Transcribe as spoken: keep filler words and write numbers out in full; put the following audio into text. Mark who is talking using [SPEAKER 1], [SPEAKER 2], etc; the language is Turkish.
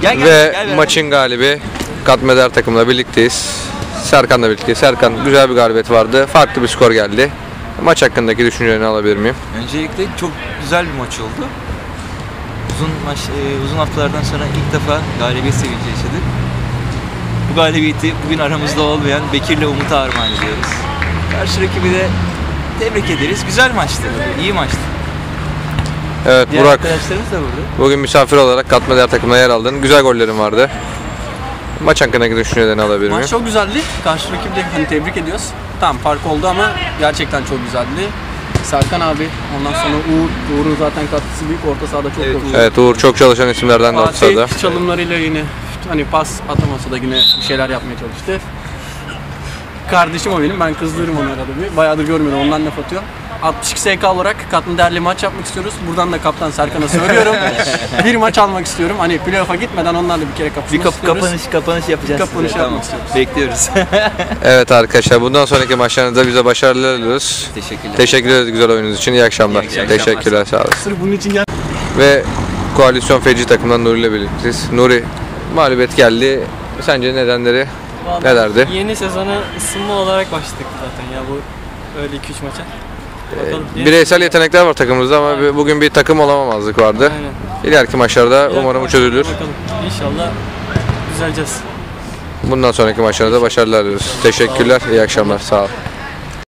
[SPEAKER 1] Gel, gel,
[SPEAKER 2] Ve
[SPEAKER 1] gel, gel.
[SPEAKER 2] maçın galibi Katmeder takımla birlikteyiz. Serkan'la birlikte. Serkan, güzel bir galibiyet vardı. Farklı bir skor geldi. Maç hakkındaki düşüncelerini alabilir miyim?
[SPEAKER 1] Öncelikle çok güzel bir maç oldu. Uzun maç, e, uzun haftalardan sonra ilk defa galibiyet sevinci yaşadık. Bu galibiyeti bugün aramızda olmayan Bekir'le Umut'a armağan ediyoruz. Karşı rakibi de tebrik ederiz. Güzel maçtı, iyi maçtı.
[SPEAKER 2] Evet,
[SPEAKER 1] Diğer
[SPEAKER 2] Burak,
[SPEAKER 1] arkadaşlarımız da burada.
[SPEAKER 2] bugün misafir olarak Katmeder takımına yer aldın. Güzel gollerin vardı. Maç hakkındaki düşüncelerini alabilir miyim?
[SPEAKER 3] Maç çok güzeldi. Karşı rakibi de hani tebrik ediyoruz. Tamam fark oldu ama gerçekten çok güzeldi. Serkan abi, ondan sonra Uğur, Uğur'un zaten katkısı büyük. Orta sahada çok
[SPEAKER 1] Evet,
[SPEAKER 3] çok güzel.
[SPEAKER 2] Evet, Uğur çok çalışan isimlerden de orta sahada.
[SPEAKER 3] Fatih çalımlarıyla yine hani pas atamasa da yine bir şeyler yapmaya çalıştı. Kardeşim o benim, ben kızdırırım onu arada bir. Bayağıdır görmüyorum, ondan laf atıyor. altmış iki S K olarak Katmer'le maç yapmak istiyoruz. Buradan da kaptan Serkan'a söylüyorum. Bir maç almak istiyorum. Hani playoff'a gitmeden onlarla bir kere kapışmak
[SPEAKER 1] Bir kap
[SPEAKER 3] istiyoruz.
[SPEAKER 1] kapanış kapanış yapacağız.
[SPEAKER 3] Kapanış
[SPEAKER 1] size.
[SPEAKER 3] yapmak istiyoruz.
[SPEAKER 1] Bekliyoruz.
[SPEAKER 2] Evet arkadaşlar, bundan sonraki maçlarınızda bize başarılar diliyoruz.
[SPEAKER 1] Teşekkürler.
[SPEAKER 2] Teşekkür ederiz güzel oyununuz için. İyi akşamlar.
[SPEAKER 1] İyi akşamlar.
[SPEAKER 2] Teşekkürler, sağ olun.
[SPEAKER 3] Sırf bunun için gel.
[SPEAKER 2] Ve Koalisyon Feci takımından Nuri ile birlikteyiz. Nuri, mağlubiyet geldi. Sence nedenleri nelerdi?
[SPEAKER 4] Yeni sezona ısınma olarak başladık zaten ya bu öyle iki üç maça. Bakalım.
[SPEAKER 2] Bireysel yetenekler var takımımızda ama bir- bugün bir takım olamamazlık vardı.
[SPEAKER 4] Aynen.
[SPEAKER 2] İleriki maçlarda
[SPEAKER 4] İleriki
[SPEAKER 2] umarım bu
[SPEAKER 4] maçlarda
[SPEAKER 2] çözülür.
[SPEAKER 4] Bakalım. İnşallah düzeleceğiz.
[SPEAKER 2] Bundan sonraki maçlarda başarılar diliyoruz. Teşekkürler, iyi akşamlar, sağ ol.